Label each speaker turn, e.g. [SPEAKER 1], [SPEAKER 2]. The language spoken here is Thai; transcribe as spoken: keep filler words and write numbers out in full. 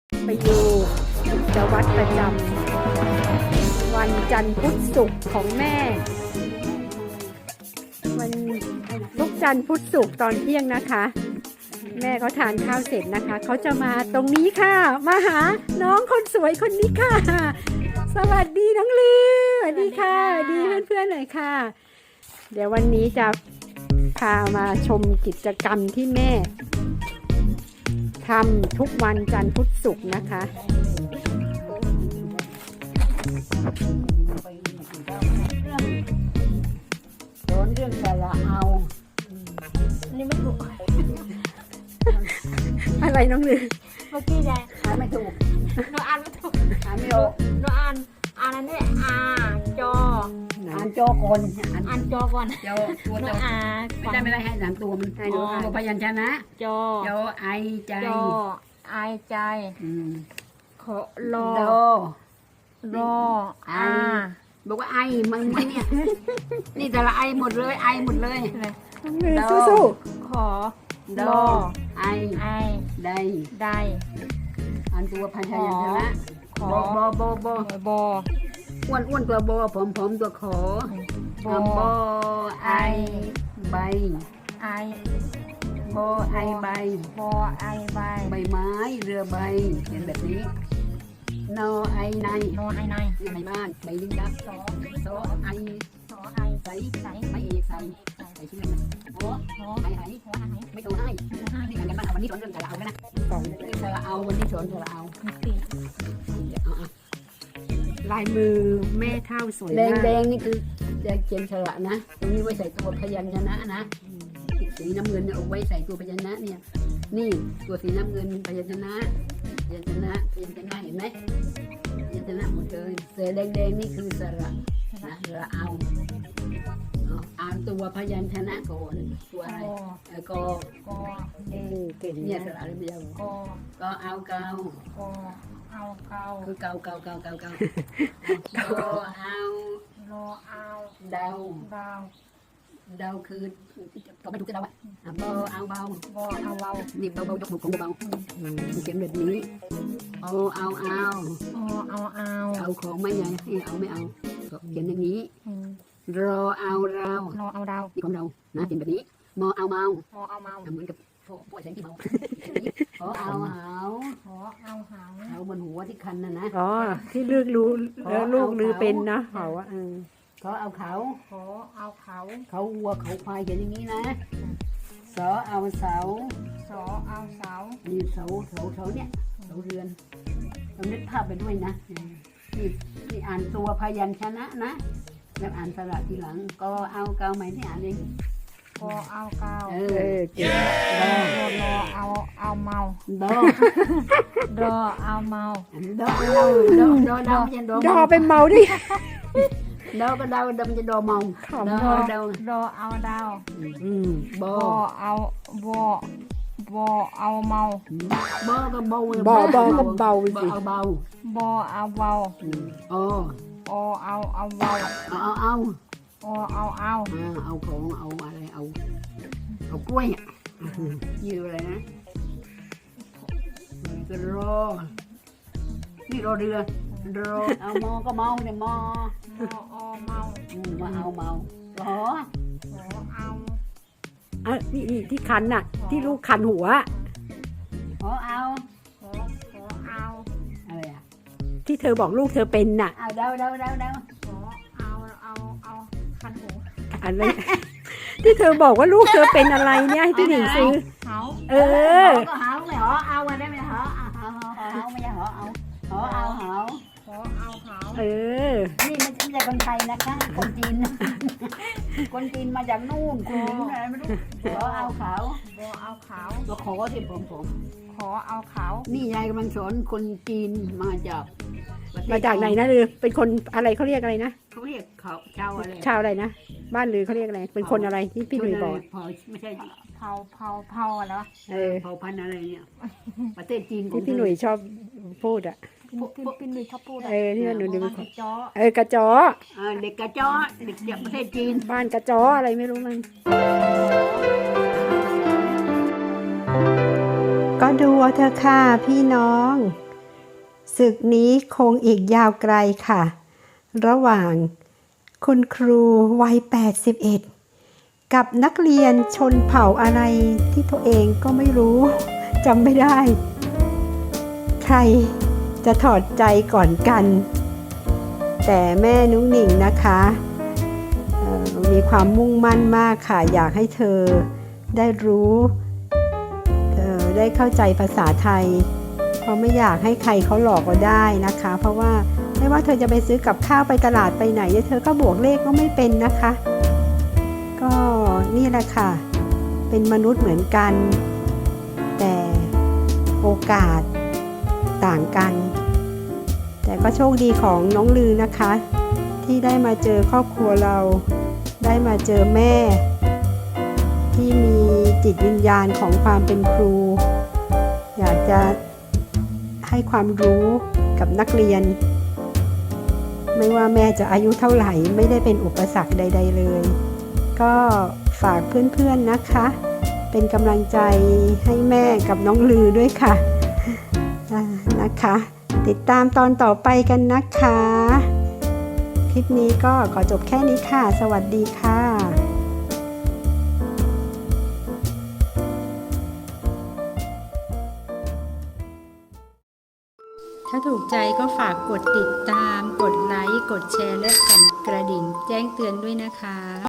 [SPEAKER 1] ไปดูกิจวัตรประจำวันจันทร์พุธศุกร์ของแม่วันทุกจันทร์พุธศุกร์ตอนเที่ยงนะคะ แม่เขาทานข้าวเสร็จนะคะเขาจะมาตรงนี้ค่ะมาหาน้องคนสวยคนนี้ค่ะสวัสดีน้องลือสวัสดีค่ะสวัสดีเพื่อนๆหน่อยค่ะเดี๋ยววันนี้จะพามาชมกิจกรรมที่แม่ทำทุกวันจันทร์พุธศุกร์นะคะ
[SPEAKER 2] โดนเรื่องแต่ละเอานี่ไม่ถูก
[SPEAKER 1] อะไรน้องลือ
[SPEAKER 2] เมื่อกี้ไงอ่านไม่ถูกโนอ่านไม่ถูกอ่านไม่ออกโนอ่านอ่านอันนี้อ่านจออ่านจอก่อนอ่านจอก่อนจอตัวจอไม่ได้ไม่ได้ให้อ่านตัวมันให้ดูตัวพยัญชนะจอจอไอใจจอไอใจขอรอรออาบอกว่าไอมันเนี่ยนี่แต่ละไอหมดเลยไอหมดเลย
[SPEAKER 1] น้องลือสู้
[SPEAKER 2] ๆขอดอไอไอได้ได้อันตัวพยัญชนะขอบอบอบอบออ้วนอ้วนตัวบอผอมผอมตัวขอบอไอใบไอบอไอใบบอไอใบใบไม้เรือใบเป็นแบบนี้นอไอในนอไอในใบบ้านใบลิงดักสอสอไอสอไอใส่ใส่ไม่เอกใส่ใส่ชื่อมันโอ้โหไอไอไม่ต้องให้นี่กันกันบ้านวันนี้สอนเรื่องสระเอาแล้วนะสอนเรื่องสระเอาวันนี้สอนสระเอา
[SPEAKER 1] ลายมือแม่เท่าสวย
[SPEAKER 2] แดง
[SPEAKER 1] มาก
[SPEAKER 2] แดงนี่คือจะเขียนสระนะตรงนี้ไว้ใส่ตัวพยัญชนะนะสีน้ำเงินเอาไว้ใส่ตัวพยัญชนะเนี่ยนี่ตัวสีน้ำเงินพยัญชนะพยัญชนะพยัญชนะเห็นไหมพยัญชนะหมดเลยเสือแดงแดงนี่คือสระนะสระเอาอ่านตัวพยัญชนะก่อนตัวอะไรกอกอเอเก่งเนี่ยสระอะไรไม่ยาวกอก็เอาเกากอเอาเกาคือเกาเกาเกาเกาเกาโลเอาโลเอาเดาเดาเดาคือก็ไม่ถูกจะเดาอ่ะเบาเอาเบาเบาเอาเบานี่เบาเบายกมือของเบาเขียนแบบนี้เอาเอาเอาเอาเอาเอาเอาของไม่ใหญ่ให้เอาไม่เอาเขียนอย่างนี้รอเอาเรารอเอาเรานี่ของเรานะเขียนแบบนี้มอเอาเมามอเอาเมาเหมือนกับพวกพวกแสงที่เมาขอเอาเหาขอเอาเหาเอาบนหัวที่คันน่ะนะ
[SPEAKER 1] อ๋อที่ลูกรู้แล้วลูกลือเป็นนะเขาอ่ะ
[SPEAKER 2] ขอเอาเขาขอเอาเขาเขาวัวเขาควายเขียนอย่างนี้นะสอเอาเสาสอเอาเสานี่เสาเสาเสาเนี่ยเสาเรือนเรานึกภาพไปด้วยนะนี่นี่อ่านตัวพยัญชนะนะแล้วอ่านสระทีหลังก็เอาเกาใหม่ที่อ่านเองก็เอาเกาเออเก่งดอดอเอาเอาเมาดอดอเอาเมาดอเราดอดอดอไม่ใช่ดอ
[SPEAKER 1] ดอเป็นเมาดิ
[SPEAKER 2] ดอก็ดาวดำจะดอเมาดอดอดอเอาดาวบอเอาบอบอเอาเมาบอก็เบา
[SPEAKER 1] บอบอก็เบา
[SPEAKER 2] สิเอาเบาบอเอาเบาโอโอเอาเอาเบาเอาเอาเอาโอเอาเอาเอาของเอาอะไรเอาเอากล้วยอ่ะยืออะไรนะก็รอนี่รอเรือรอเอามอก็เมาเนี่ยมอมอเมามาเอาเมาขอขอเอา
[SPEAKER 1] อ่ะนี่นี่ที่คันน่ะที่ลูกคันหัว
[SPEAKER 2] ขอเอาขอขอเอาอะไรอ่ะ
[SPEAKER 1] ที่เธอบอกลูกเธอเป็นน่ะ
[SPEAKER 2] เอาเดาเดาเดาเดาขอเอาเอาเอาคันหัว
[SPEAKER 1] อะไรที่เธอบอกว่าลูกเธอเป็นอะไรเนี่ยให้พี่หนิงซื้อเออ
[SPEAKER 2] ก็หาไม่หอเอามาได้ไหมหอหอหอไม่ใช่หอเอาหอเอาหอหอเอาหอ
[SPEAKER 1] เออ
[SPEAKER 2] นี่ไม่ใช่คนไทยนะคะคนจีนคนจีนมาจากนู่นคนอะไรไม่รู้หอเอาขาวหอเอาขาวตัวขอที่ผมผมขอเอาขาวนี่ยายกำลังสอนคนจีนมาจาก
[SPEAKER 1] มาจากไหนนะลือเป็นคนอะไรเขาเรียกอะไรนะ
[SPEAKER 2] เขาเรียกเขาชาวอะไร
[SPEAKER 1] ชาวอะไรนะบ้านลือเขาเรียกอะไรเป็นคนอะไรที่พี่หนุ่ยบอก
[SPEAKER 2] ไม่ใช่เผาเผาเผาอะไรวะเออเผาพันธุ์อะไรเนี่ยประเทศจีน
[SPEAKER 1] ที่พี่หนุ่ยชอบพูดอ่ะ
[SPEAKER 2] พี่พี่หนุ่ยชอบพูด
[SPEAKER 1] เออที่หนุ่ยดู
[SPEAKER 2] กระจ้อ
[SPEAKER 1] เออกระจ้อ
[SPEAKER 2] เด็กกระจ้อเด็กจากประเทศจีน
[SPEAKER 1] บ้านกระจ้ออะไรไม่รู้มันก็ดูเอาเถอะค่ะพี่น้องศึกนี้คงอีกยาวไกลค่ะ ระหว่างคุณครูวัยแปดสิบเอ็ดกับนักเรียนชนเผ่าอะไรที่ตัวเองก็ไม่รู้จำไม่ได้ ใครจะถอดใจก่อนกัน แต่แม่นุ้งหนิงนะคะมีความมุ่งมั่นมากค่ะอยากให้เธอได้รู้เธอได้เข้าใจภาษาไทยเพราะไม่อยากให้ใครเขาหลอกเราได้นะคะเพราะว่าไม่ว่าเธอจะไปซื้อกับข้าวไปตลาดไปไหนเธอก็บวกเลขก็ไม่เป็นนะคะก็นี่แหละค่ะเป็นมนุษย์เหมือนกันแต่โอกาสต่างกันแต่ก็โชคดีของน้องลือนะคะที่ได้มาเจอครอบครัวเราได้มาเจอแม่ที่มีจิตวิญญาณของความเป็นครูอยากจะให้ความรู้กับนักเรียนไม่ว่าแม่จะอายุเท่าไหร่ไม่ได้เป็นอุปสรรคใดๆเลยก็ฝากเพื่อนๆนะคะเป็นกำลังใจให้แม่กับน้องลือด้วยค่ะนะคะติดตามตอนต่อไปกันนะคะคลิปนี้ก็ขอจบแค่นี้ค่ะสวัสดีค่ะถ้าถูกใจก็ฝากกดติดตามกดไลค์กดแชร์และสั่นกระดิ่งแจ้งเตือนด้วยนะคะ